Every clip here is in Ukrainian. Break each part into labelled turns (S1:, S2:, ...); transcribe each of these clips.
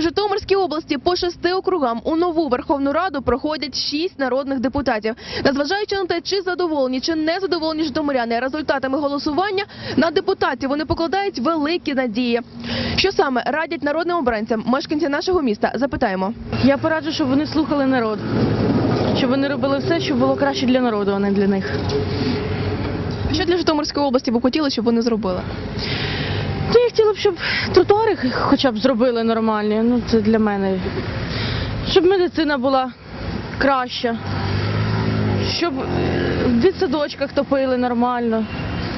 S1: У Житомирській області по 6 округам у нову Верховну Раду проходять 6 народних депутатів. Незважаючи на те, чи задоволені, чи не задоволені житомиряни результатами голосування, на депутатів вони покладають великі надії. Що саме радять народним обранцям мешканці нашого міста? Запитаємо.
S2: Я пораджу, щоб вони слухали народ, щоб вони робили все, щоб було краще для народу, а не для них.
S1: Що для Житомирської області ви хотіли, щоб вони зробили?
S2: Я хотіла б, щоб тротуари хоча б зробили нормальні, це для мене. Щоб медицина була краща, щоб в дитсадочках топили нормально.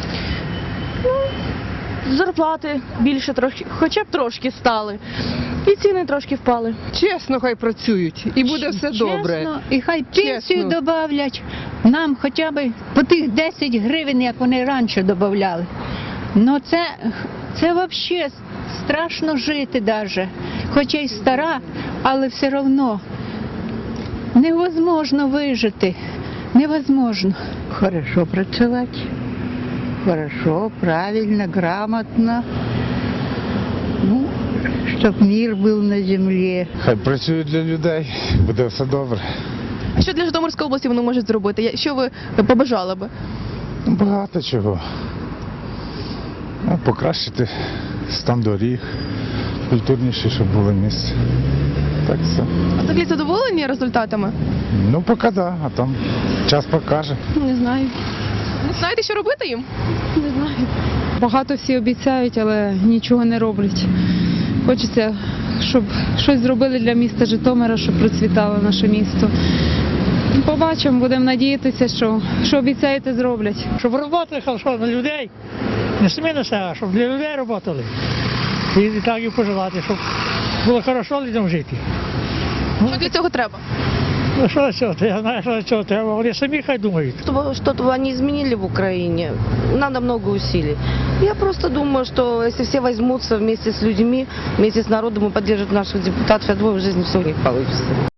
S2: Зарплати більше трохи, хоча б трошки стали. І ціни трошки впали.
S3: Чесно, хай працюють, і буде все добре.
S4: Чесно, і хай пенсію добавлять нам хоча б по тих 10 гривень, як вони раніше додавали. Ну це взагалі страшно жити навіть. Хоча й стара, але все одно невозможно вижити. Невозможно.
S5: Хорошо працювати. Хорошо, правильно, грамотно. Ну, щоб мир був на землі.
S6: Хай працюють для людей, буде все добре.
S1: А що для Житомирської області вони можуть зробити? Що ви побажали би?
S6: Багато чого. Покращити стан доріг, культурніше, щоб було місце. Так все.
S1: А взагалі задоволені результатами?
S6: Ну, поки да, а там час покаже.
S2: Не знаю.
S1: Не знаєте, що робити їм?
S2: Не знаю.
S7: Багато всі обіцяють, але нічого не роблять. Хочеться, щоб щось зробили для міста Житомира, щоб процвітало наше місто. Побачимо, будемо надіятися, що обіцяєте, зроблять.
S8: Щоб роботи хорошо на людей, не самі на себе, а щоб для людей працювали. І так і пожелати, щоб було хорошо людям жити.
S1: Що для цього треба?
S8: Ну що для цього? Я знаю, що для цього треба, вони самі хай думають.
S9: Чтобы что-то они изменили в Украине, надо много усилий. Я просто думаю, что если все возьмутся вместе с людьми, вместе с народом и поддержат наших депутатов, я думаю, в жизни все у них получится.